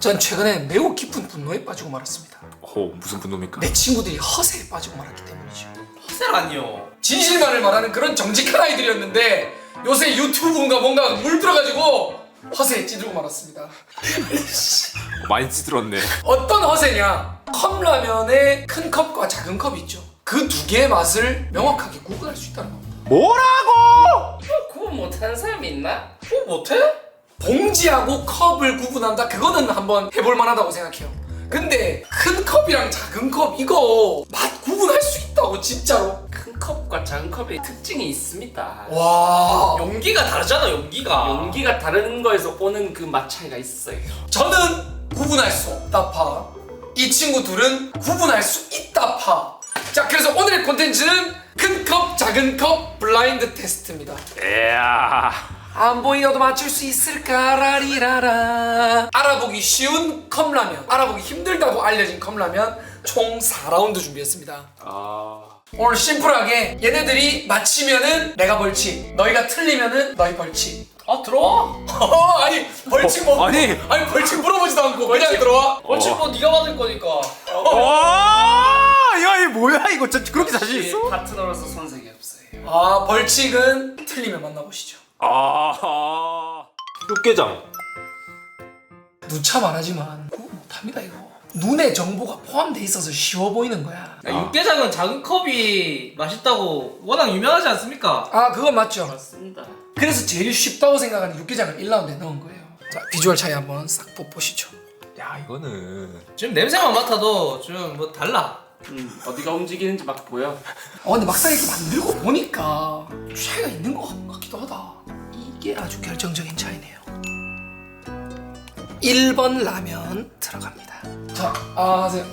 전 최근에 매우 깊은 분노에 빠지고 말았습니다. 무슨 분노입니까? 내 친구들이 허세에 빠지고 말았기 때문이죠. 허세라니요. 진실만을 말하는 그런 정직한 아이들이었는데 요새 유튜브인가 뭔가 물들어가지고 허세에 찌들고 말았습니다. 많이 찌들었네. 어떤 허세냐? 컵라면에 큰 컵과 작은 컵이 있죠. 그 두 개의 맛을 명확하게 구분할 수 있다는 겁니다. 뭐라고? 구분 못하는 사람이 있나? 구분 못해? 봉지하고 컵을 구분한다? 그거는 한번 해볼 만하다고 생각해요. 근데 큰 컵이랑 작은 컵 이거 맛 구분할 수 있다고 진짜로? 큰 컵과 작은 컵의 특징이 있습니다. 와, 용기가 다르잖아. 용기가 다른 거에서 오는 그 맛 차이가 있어요. 저는 구분할 수 없다 파. 이 친구 둘은 구분할 수 있다 파. 자, 그래서 오늘의 콘텐츠는 큰 컵, 작은 컵 블라인드 테스트입니다. 이야. 안 보이어도 맞출 수 있을까 라리라라. 알아보기 쉬운 컵라면, 알아보기 힘들다고 알려진 컵라면 총 4라운드 준비했습니다. 오늘 심플하게 얘네들이 맞히면은 내가 벌칙, 너희가 틀리면은 너희 벌칙. 들어와. 아니 벌칙 뭐? 아니. 벌칙 물어보지도 않고 그냥 들어와? 벌칙 뭐 네가 받을 거니까. 와, 야, 이 뭐야 이거? 진짜 그렇게 자신 있어? 파트너로서 손색이 없어요. 벌칙은 틀리면 만나보시죠. 육개장. 누차 말하지만 그거 못합니다 이거. 눈에 정보가 포함돼 있어서 쉬워 보이는 거야. 육개장은 작은 컵이 맛있다고 워낙 유명하지 않습니까? 그건 맞죠. 맞습니다. 그래서 제일 쉽다고 생각하는 육개장을 1라운드에 넣은 거예요. 자, 비주얼 차이 한번 싹 보시죠. 야, 이거는 지금 냄새만 맡아도 좀 뭐 달라. 어디가 움직이는지 막 보여. 근데 막상 이렇게 만들고 보니까 차이가 있는 것 같기도 하다. 이게 아주 결정적인 차이네요. 1번 라면 들어갑니다. 자, 하세요.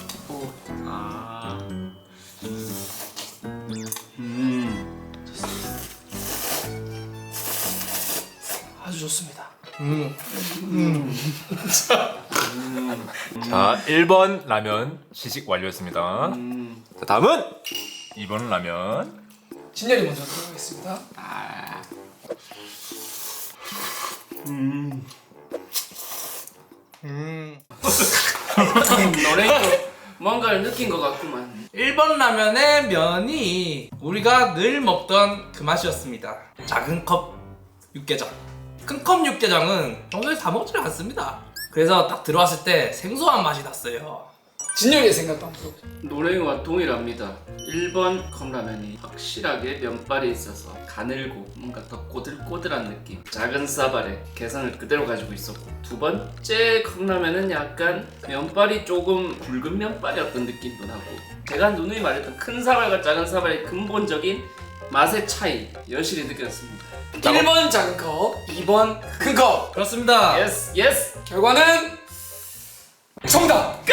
아주 좋습니다. 자, 1번 라면 시식 완료했습니다. 자, 다음은 2번 라면. 진열이 먼저 들어가겠습니다. 노래도 뭔가를 느낀 것 같구만. 1번 라면의 면이 우리가 늘 먹던 그 맛이었습니다. 작은 컵 육개장. 큰 컵 육개장은 평소에 다 먹지를 않습니다. 그래서 딱 들어왔을 때 생소한 맛이 났어요. 진열이의 생각도 한번 들어보세요. 노래와 동일합니다. 1번 컵라면이 확실하게 면발이 있어서 가늘고 뭔가 더 꼬들꼬들한 느낌. 작은 사발에 개성을 그대로 가지고 있었고, 두 번째 컵라면은 약간 면발이 조금 굵은 면발이었던 느낌도 나고, 제가 누누이 말했던 큰 사발과 작은 사발의 근본적인 맛의 차이 여실히 느꼈습니다. 1번 작은 컵, 2번 큰 컵. 그렇습니다. 예스 예스. 결과는 정답!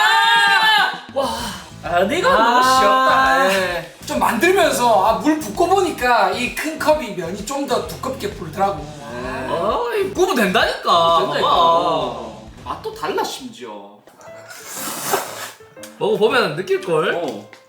내가 너무 쉬웠다. 좀 만들면서 물 붓고 보니까 이 큰 컵이 면이 좀 더 두껍게 불더라고. 구분 된다니까. 된다니까. 맛도 달라 심지어. 먹어보면 느낄걸.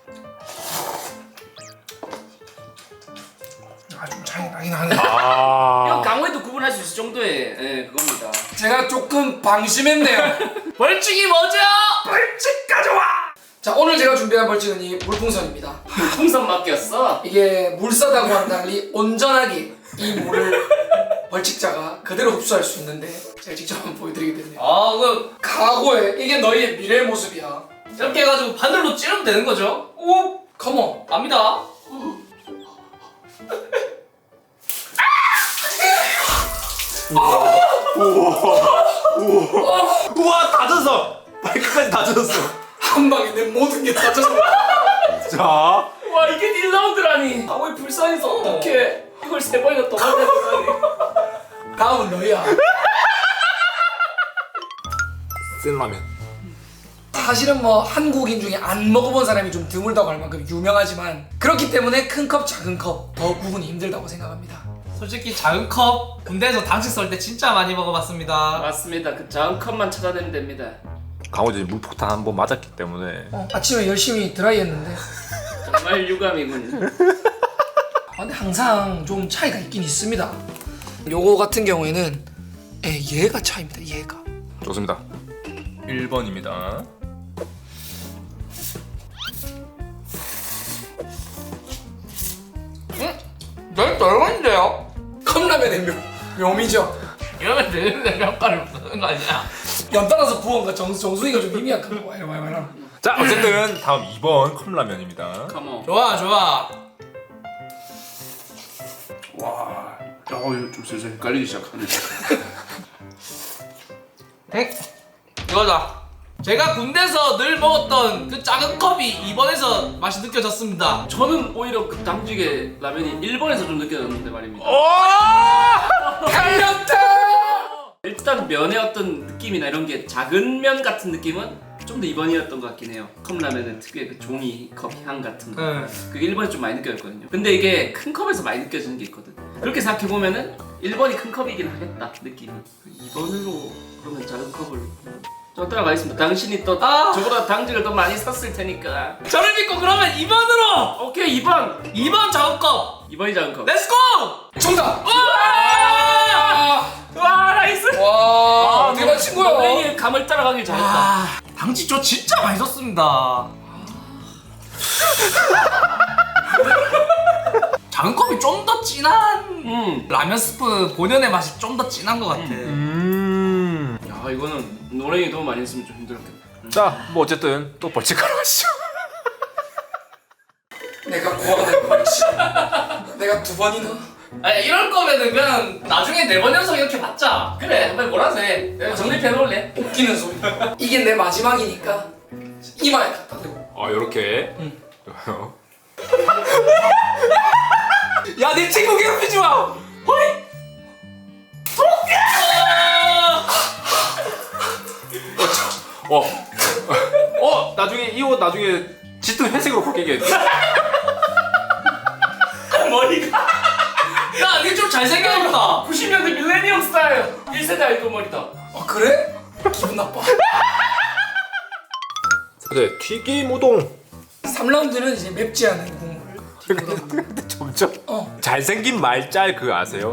좀 차이 나긴 하네. 이건 강호에도 구분할 수 있을 정도의 그겁니다. 제가 조금 방심했네요. 벌칙이 뭐죠? 벌칙 가져와! 자, 오늘 제가 준비한 벌칙은 이 물풍선입니다. 풍선 맡겼어. 이게 물사다구와는 달리 온전하게 이 물을 벌칙자가 그대로 흡수할 수 있는데 제가 직접 한번 보여드리게 됐네요. 각오해. 이게 너희의 미래의 모습이야. 이렇게 해가지고 바늘로 찌르면 되는 거죠? 오, 컴온. 압니다. 우와, 다 젖었어. 마이크까지 다 젖었어. 한 방에 내 모든 게 다 젖어. 자, 와 이게 1라운드라니. 강호에 불쌍해서 어떡해. 이걸 3번이나 더 맞았다니. 다음은 너희야. 센 라면. 사실은 뭐 한국인 중에 안 먹어본 사람이 좀 드물다고 할 만큼 유명하지만 그렇기 때문에 큰 컵, 작은 컵 더 구분이 힘들다고 생각합니다. 솔직히 작은 컵 군대에서 당직 썰 때 진짜 많이 먹어봤습니다. 맞습니다. 그 작은 컵만 찾아내면 됩니다. 강호진이 물폭탄 한 번 맞았기 때문에. 아침에 열심히 드라이했는데 정말 유감이군. 근데 항상 좀 차이가 있긴 있습니다. 요거 같은 경우에는 얘가 차이입니다. 얘가. 좋습니다. 1번입니다. 널 떨건데요? 컵라면의 묘미죠. 이러면 되는데 평가를 쓰는 거 아니야? 연달아서 부어가 정수기가 좀 힘이 약한 거야. 이러면 자, 어쨌든 다음 2번 컵라면입니다. 컴온. 좋아 좋아. 와. 이거 좀 슬슬 헷갈리기 시작하네. 이거다. 제가 군대에서 늘 먹었던 그 작은 컵이 2번에서 맛이 느껴졌습니다. 저는 오히려 그 당직의 라면이 1번에서 좀 느껴졌는데 말입니다. 달렸다. 일단 면의 어떤 느낌이나 이런 게 작은 면 같은 느낌은 좀 더 2번이었던 것 같긴 해요. 컵라면은 특유의 그 종이 컵 향 같은 거. 그게 1번이 좀 많이 느껴졌거든요. 근데 이게 큰 컵에서 많이 느껴지는 게 있거든. 그렇게 생각해보면은 1번이 큰 컵이긴 하겠다 느낌이. 2번으로 그러면 작은 컵을 저 따라가겠습니다. 당신이 또 저보다 당직을 더 많이 샀을 테니까. 저를 믿고 그러면 2번으로! 오케이 2번! 2번 작은 컵! 2번이 작은 컵. 렛츠고! 정답. 와 나이스! 와, 어떻게 맞힌 거야? 너의 감을 따라가길 잘했다. 당직 저 진짜 맛있었습니다. 작은 컵이 좀 더 진한 라면 스프 본연의 맛이 좀 더 진한 것 같아. 야 이거는 노랭이 너무 많이 했으면 좀 힘들었겠다. 자, 뭐 어쨌든 또 벌칙하러 가시죠. 내가 고아가 될 뻔했지. 내가 2번이나. 아니 이럴 거면은 그냥 나중에 4번 연속 이렇게 받자. 그래 한번 몰아서 해. 내가 정립해 놓을래. 웃기는 소리. 이게 내 마지막이니까 이마에 갖다 대고. 요렇게. 야 내 친구 괴롭히지 마. 호이. 나중에 이 옷 나중에 짙은 회색으로 바뀌게. 머리가 야 이게 좀 잘생겼다. 90년대 밀레니엄 스타일 1세대 아이돌 머리다. 아 그래? 기분 나빠. 네, 튀김 우동. 3라운드는 이제 맵지 않은 국물. 근데 점점 잘생긴 말짤 그거 아세요?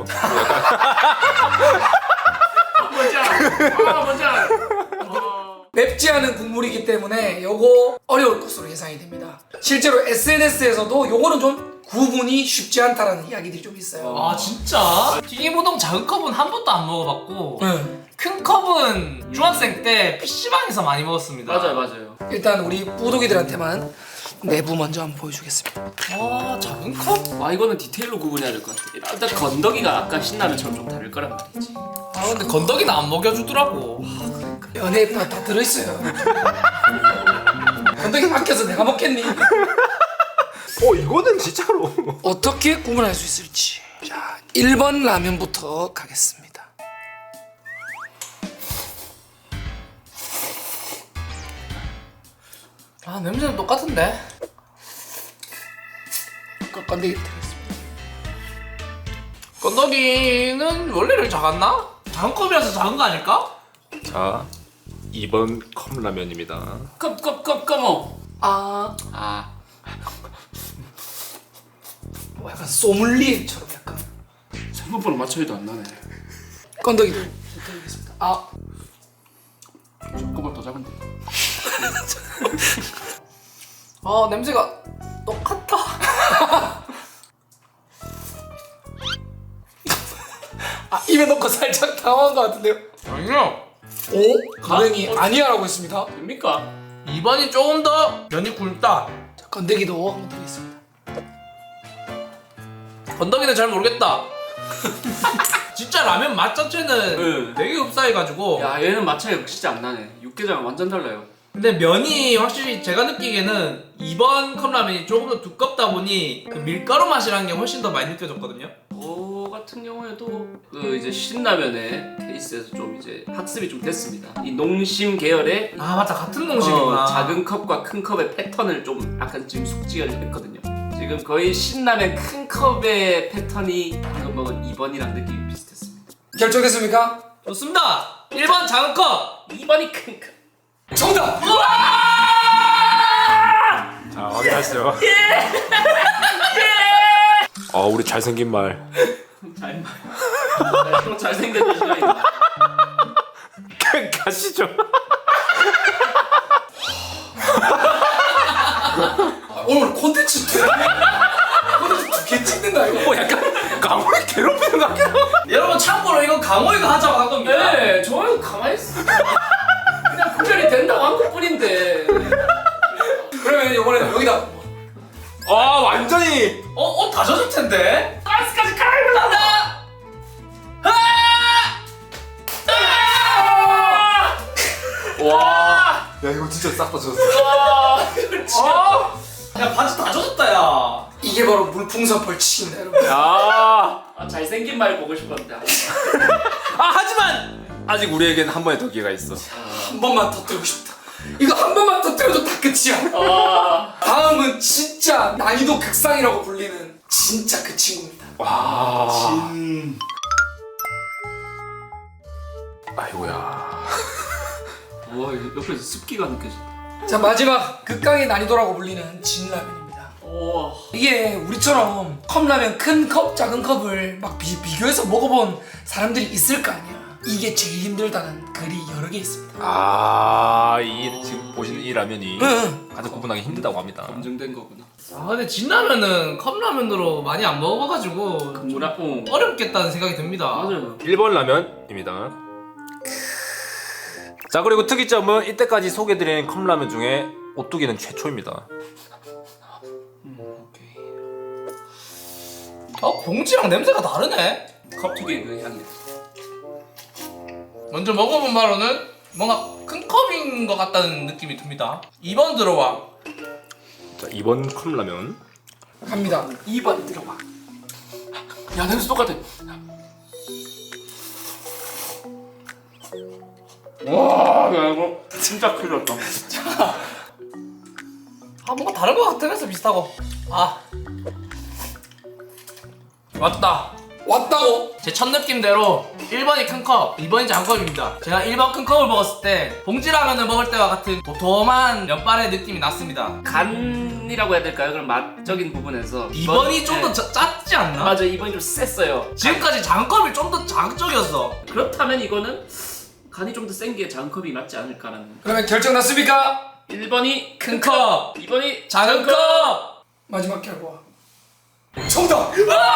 뭔지 알아. 뭔지 알아. 맵지 않은 국물이기 때문에 요거 어려울 것으로 예상이 됩니다. 실제로 SNS에서도 요거는 좀 구분이 쉽지 않다라는 이야기들이 좀 있어요. 아 진짜? 튀김우동 작은 컵은 한 번도 안 먹어봤고 응. 큰 컵은 중학생 때 PC방에서 많이 먹었습니다. 맞아요. 일단 우리 뿌독이들한테만 내부 먼저 한번 보여주겠습니다. 아 작은 컵? 와 이거는 디테일로 구분해야 될 것 같아. 일단 건더기가 아까 신라면처럼 좀 다를 거란 말이지. 아 근데 건더기는 안 먹여주더라고. 연애에 다 들어있어요. 건더기 막혀서 내가 먹겠니? 이거는 진짜로. 어떻게 구분할 수 있을지. 자, 1번 라면부터 가겠습니다. 아 냄새는 똑같은데? 건더기 드리겠습니다. 건더기는 원래는 작았나? 작은 컵이라서 작은 거 아닐까? 자, 2번 컵라면입니다. 컵. 아, 뭐 약간 소믈리에처럼 약간. 생각보다 맞춰도 안 나네. 건더기도 드리겠습니다. 아, 조금만 더 작은데. 아 냄새가 똑같아. 입에 넣고 살짝 당황한 것 같은데요? 아니요. 오? 가능이 아니야라고 했습니다. 됩니까? 2번이 조금 더 면이 굵다. 자, 건더기도 한번 드리겠습니다. 건더기는 잘 모르겠다. 진짜 라면 맛 자체는 되게 흡사해가지고. 야 얘는 맛차이가 진짜 안 나네. 육개장 완전 달라요. 근데 면이 확실히 제가 느끼기에는 2번 컵라면이 조금 더 두껍다 보니 그 밀가루 맛이라는 게 훨씬 더 많이 느껴졌거든요. 저 같은 경우에도 그 이제 신라면의 케이스에서 좀 이제 학습이 좀 됐습니다. 이 농심 계열의 아 맞다 같은 농심이구나. 작은 컵과 큰 컵의 패턴을 좀 약간 지금 숙지가 했거든요. 지금 거의 신라면 큰 컵의 패턴이 방금 먹은 2번이랑 느낌이 비슷했습니다. 결정했습니까? 좋습니다. 1번 작은 컵. 2번이 큰 컵. 정답! 자, 확인하시죠. 우리 잘생긴 말. 또 잘생겼다 시간이다. 가시죠. 괴롭히는 거 같긴 하고. 여러분 참고로 이건 강호이가 하자고 한 겁니다. 네, 저는 가만히 있어. 그냥 구별이 된다고 한 것뿐인데. 그러면 이번에는 여기다 아 완전히. 다 젖을 텐데. 가스까지 가라고 간다. 와. 야 이거 진짜 싹 다 젖었어. 야 바지 다 젖었다 야. 이게 바로 물풍선 벌칙입니다 여러분. 야. 잘생긴 말 보고 싶었는데. 하지만 아직 우리에겐 한 번의 더 기회가 있어. 한 번만 터뜨리고 싶다. 이거 한 번만 터뜨려도 다 끝이야. 다음은 진짜 난이도 극상이라고 불리는 진짜 그 친구입니다. 와. 아이고야. 와, 옆에서 습기가 느껴진다. 자 마지막 극강의 난이도라고 불리는 진라면입니다. 오. 이게 우리처럼 컵라면 큰 컵, 작은 컵을 막 비교해서 먹어본 사람들이 있을 거 아니야. 이게 제일 힘들다는 글이 여러 개 있습니다. 이 지금 보시는 이 라면이 응. 가장 구분하기 힘들다고 합니다. 검증된 거구나. 아 근데 진라면은 컵라면으로 많이 안 먹어봐가지고 좀 뭐라? 어렵겠다는 생각이 듭니다. 맞아요. 1번 라면입니다. 자 그리고 특이점은 이때까지 소개드린 컵라면 중에 오뚜기는 최초입니다. 오케이. 봉지랑 냄새가 다르네. 컵특유의 그 향이. 먼저 먹어본 바로는 뭔가 큰 컵인 것 같다는 느낌이 듭니다. 2번 들어와. 자 2번 컵라면. 갑니다. 2번 들어봐. 야, 냄새 똑같아. 와, 야 이거 진짜 큰일 났다. 뭔가 다른 것 같으면서 비슷하고. 왔다. 왔다고? 제 첫 느낌대로 1번이 큰 컵, 2번이 작은 컵입니다. 제가 1번 큰 컵을 먹었을 때 봉지라면을 먹을 때와 같은 도톰한 면발의 느낌이 났습니다. 간이라고 해야 될까요? 그럼 맛적인 부분에서 2번이 좀 더 네. 짰지 않나? 맞아, 2번이 좀 셌어요. 지금까지 작은 컵이 좀 더 자극적이었어. 그렇다면 이거는 간이 좀 더 센 게 작은 컵이 낫지 않을까라는. 그러면 결정 났습니까? 1번이 큰 컵, 2번이 작은 컵! 마지막 결과. 정답!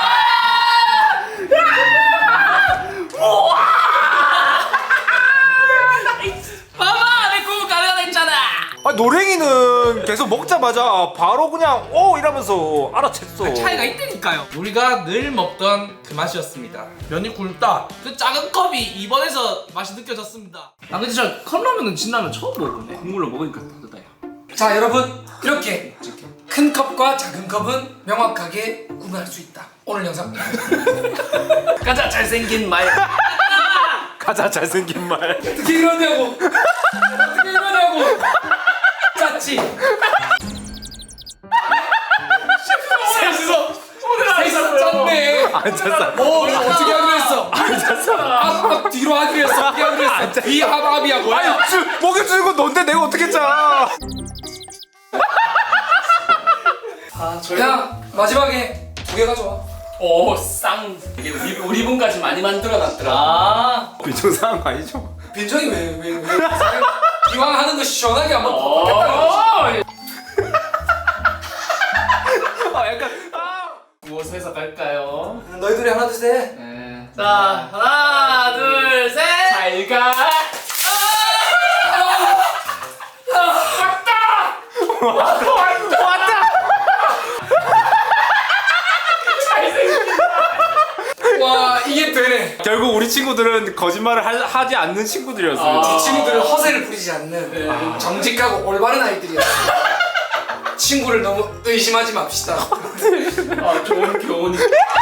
봐봐! 내 구분 가능하다 했잖아! 노랭이는 계속 먹자마자 바로 그냥 이러면서 알아챘어. 차이가 있다니까요. 우리가 늘 먹던 그 맛이었습니다. 면이 굵다. 그 작은 컵이 2번에서 맛이 느껴졌습니다. 근데 저 컵라면은 진라면 처음 먹어보네. 국물로 먹으니까 다르다 야. 자 여러분 이렇게 큰 컵과 작은 컵은 명확하게 구분할 수 있다. 오늘 영상 가자, 잘생긴 말. 가자 잘생긴 말. 어떻게 이러냐고. 어떻게 이러냐고. 짰지. 셋이서 짰네. 앉았어. 이거 어떻게 하기로 했어? 앞 뒤로 하기로 했어. 어떻게 하기로 했어? 비합합이야 뭐야? 먹여주는 건 넌데 내가 어떻게 짜? 야 마지막에 2개 가져와. 오, 쌍. 이게 우리 분까지 많이 만들어놨더라. 비정상한 거 아니죠? 빈정이 왜 이왕 하는 거 시원하게 한번 어. 덮겠다는 약간 무엇에서 갈까요? 거지. 너희들이 하나 둘 셋. 네. 자, 하나, 둘, 셋! 잘 가. 와 이게 되네. 결국 우리 친구들은 거짓말을 하지 않는 친구들이었어요. 이 친구들은 허세를 부리지 않는 정직하고 올바른 아이들이야. 친구를 너무 의심하지 맙시다. 좋은 교훈이.